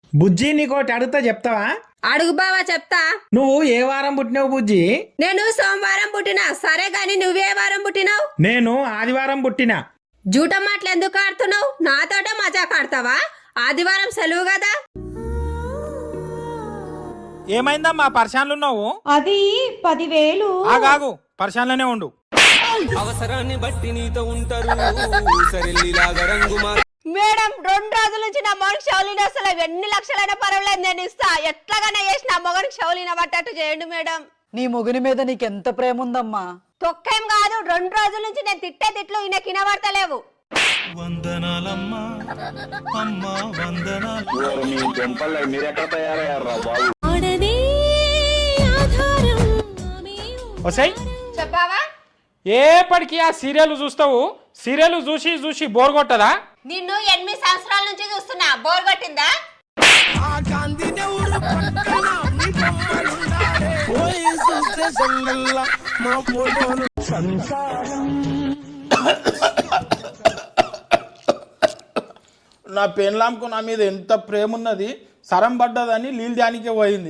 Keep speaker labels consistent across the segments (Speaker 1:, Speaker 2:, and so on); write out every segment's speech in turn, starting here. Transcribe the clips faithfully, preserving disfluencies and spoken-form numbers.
Speaker 1: బుజ్జి నీకోటి అడుగుతా చెప్తావా?
Speaker 2: అడుగు బావా చెప్తా.
Speaker 1: నువ్వు ఏ వారం పుట్టినావు బుజ్జి?
Speaker 2: నేను సోమవారం పుట్టినా. సరే గాని నువ్వే వారం పుట్టినావు?
Speaker 1: నేను ఆదివారం పుట్టినా.
Speaker 2: జూట మాటలు ఎందుకు ఆడుతున్నావు? నాతోటే మజాక్ ఆడతావా? ఆదివారం సెలవు కదా.
Speaker 1: ఏమైందమ్మా పరిశాన్లున్నావు?
Speaker 3: అది పదివేలు.
Speaker 1: ఆగాగు, పరిశాన్లోనే ఉండు.
Speaker 4: అవసరాన్ని బట్టి నీతో ఉంటారు సరెల్లిలాగా రంగు మా
Speaker 2: మేడం రెండు రోజుల నుంచి నా మొగనికి షౌలిన అసలు ఎన్ని లక్షలైనా పర్వాలేదు నేను ఇస్తా. ఎట్లాగానే చేసి నా మొగనికి షౌలిన పట్టట్టు చేయండి మేడం.
Speaker 5: నీ మొగుని మీద నీకెంత ప్రేమ ఉందమ్మా.
Speaker 2: తొక్కేం కాదు, రెండు రోజుల నుంచి నేను తిట్టే తిట్లు ఈయన కినబడతలేవు.
Speaker 6: వందనాలమ్మా అమ్మా వందనాలు.
Speaker 1: వసై
Speaker 2: చెప్పావా?
Speaker 1: ఏపటికి ఆ సీరియల్ చూస్తావు? సీరియల్ చూసి చూసి బోర్ కొట్టదా?
Speaker 2: నిన్ను ఎనిమిది సంవత్సరాల నుంచి చూస్తున్నా, బోర్ కొట్టిందా?
Speaker 1: నా పెన్లాంకు నా మీద ఎంత ప్రేమ ఉన్నది, సరం పడ్డదని నీళ్ళు దానికే పోయింది.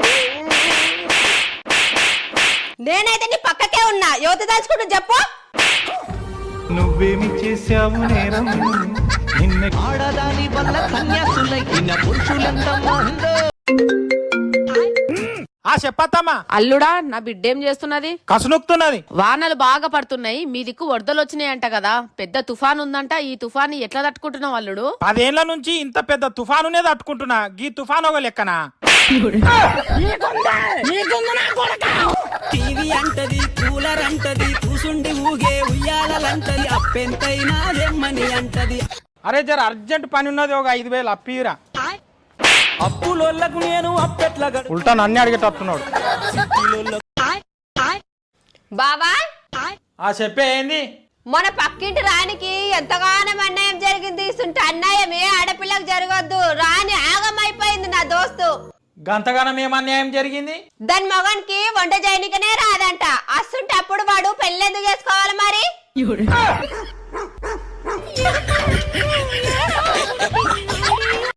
Speaker 2: నేనైతే నీ పక్కకే ఉన్నా. యువత దాచుకుంటూ చెప్పు.
Speaker 6: నువ్వేమి చేశావు నేరం నిన్న
Speaker 4: ఆడదాని వల్ల కన్యాసులైన పురుషులంత మందో.
Speaker 1: ఆ చెప్పత్తమ్మా.
Speaker 7: అల్లుడా, నా బిడ్డేం చేస్తున్నది?
Speaker 1: కసునుక్తున్నది.
Speaker 7: వానలు బాగా పడుతున్నాయి, మీ దిక్కు వరదలు వచ్చినాయంట కదా. పెద్ద తుఫాన్ ఉందంట. ఈ తుఫాన్ ఎట్లా తట్టుకుంటున్నావు అల్లుడు?
Speaker 1: పదేళ్ల నుంచి ఇంత పెద్ద తుఫానునే తట్టుకుంటున్నా, గీ తుఫాన్ ఒక లెక్కనా?
Speaker 4: టీవీ అంటది, కూలర్ అంటది, కూసుండి ఊగే ఉయ్యాలంటది, అప్పెంతైనా దెమ్మని అంటది.
Speaker 1: అరే జర అర్జెంట్ పని ఉన్నది, ఒక ఐదు వేలు అప్పిరా.
Speaker 4: అప్పులోళ్ళకు నేను అప్పెట్ల
Speaker 1: ఉల్టా నన్ను అడిగేటట్టున్నాడు.
Speaker 2: బావా
Speaker 1: ఆ చెప్పే ఏంది?
Speaker 2: మన పక్కింటి రానికి ఎంతగానో అన్యాయం జరిగింది. ఇసుంటి అన్యాయం ఏ ఆడపిల్లకు జరగొద్దు. రాని ఆగమైపోయింది నా దోస్తు.
Speaker 1: గంతగానం ఏం అన్యాయం జరిగింది?
Speaker 2: దాని మగనికి వంట చేయనికనే రాదంట. అస్తుంటే అప్పుడు వాడు పెళ్ళెందుకు చేసుకోవాలి మరి?